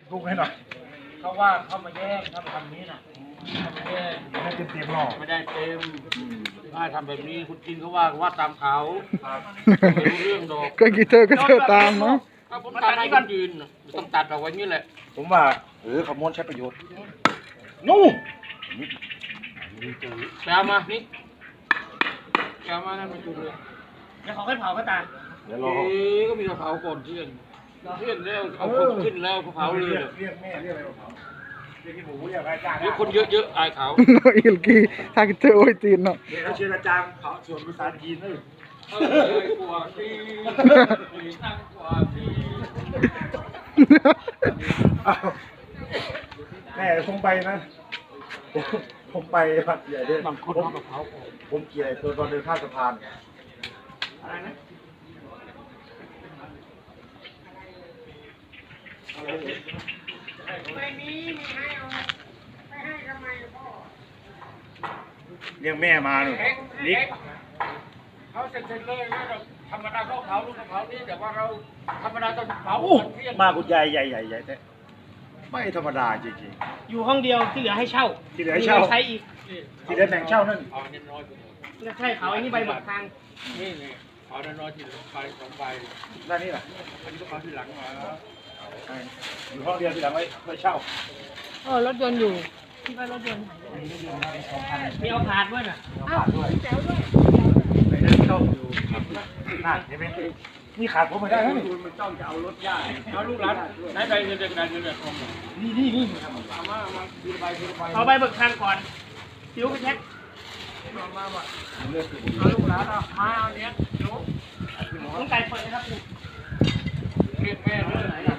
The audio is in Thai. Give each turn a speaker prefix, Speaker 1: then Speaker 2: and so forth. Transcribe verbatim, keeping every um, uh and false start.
Speaker 1: ลุกให้หน่อยเขาว่าเขามาแย่งเขามาทำนี้น่ะเขามาแย่งไม่ได้เต็มเต็มหรอกไม่ได้เต็มถ้าทำแบบนี้คุณกินเขาว่าว่าตามเขาไม่รู้เรื่องดอก
Speaker 2: ก็กี่เธอก็เธอตามเนาะ
Speaker 1: ถ้าผมตัดให้กันยืนต้องตัดเอาไว้นี่แหละผมว่าเออขโมยใช้ประโยชน์นู่นแปลมานี่แปลมานั่นมาจุดเลยเดี๋ยวเขาให้เผาก็ตาเดี๋ยวรอก็มีเผาก่อนเที่ยงเที่ยงแล้วเอาคนขึ้นแล้วเผาเลยเรียกแม่เรียกอะไรเผาเรียกที่หมูเรียกอาจารย์เรียกคนเยอะๆอายเขา
Speaker 2: อิลกี้ถ้ากี่เธอโอ้ยตีนเนาะ
Speaker 1: เดี๋ยวเชิญอาจารย์เผาส่วนภาษาจีนเลยเออกว่าที่นั่งกว่าที่แม่คงไปนะผมไปพัดใหญ่ด้วยบางคนเอากับเขาผมเกี่ยวตัวตอนเดินข้ามสะพานอะไรนะไม่มีมีให้เอาไม่ให้ทำไมพ่อเรียกแม่มาหน่อยนิกเขาเสร็จเลยนะธรรมดาเขาเผาลูกเผานี่แต่ว่าเราธรรมดาต้องเผามาคุณยายใหญ่ใหญ่ใหญ่แต่ไม่ธรรมดาจริงๆ
Speaker 3: อยู่ห้องเดียวที่เหลือให้เช่า
Speaker 1: ที่เหลือให้เช่า
Speaker 3: ใช้อีก
Speaker 1: ที่เหลือแบ่งเช่านั่น
Speaker 3: ใช่เขาอันนี้ใบเบิกทาง
Speaker 1: นี่นี่เอาน้อยๆที่ใบสองใบด้านนี้แหละอันนี้ต้องเอาที่หลังมาอยู่ห้องเดียวที่หลังไว้ไว้เช่า
Speaker 3: เออรถยนต์อยู่ที่ว่ารถยนต์มีเอาผ่านด้วยน่ะ
Speaker 1: อ้าวแจ๋วด้วยไปนั่งเช่าอยู่นั่นเห็นไหมนี่ขาดผมไม่ได้แล้วนี่มันจ้องจะเอารถย่าเอาลูกหลานไหนใบเงินเดือนเงินเดือนทองนี่นี่นี่เอามามาทีละใบทีละใบ
Speaker 3: เอาใบเบิกทางก่อนซิ้วไปเช็ค
Speaker 1: มามามา
Speaker 3: เอาลูกหลานเอามาเอาเนี้ยลูกต้องไก่เปิดนะครับ
Speaker 1: เรียกแม่ด้วย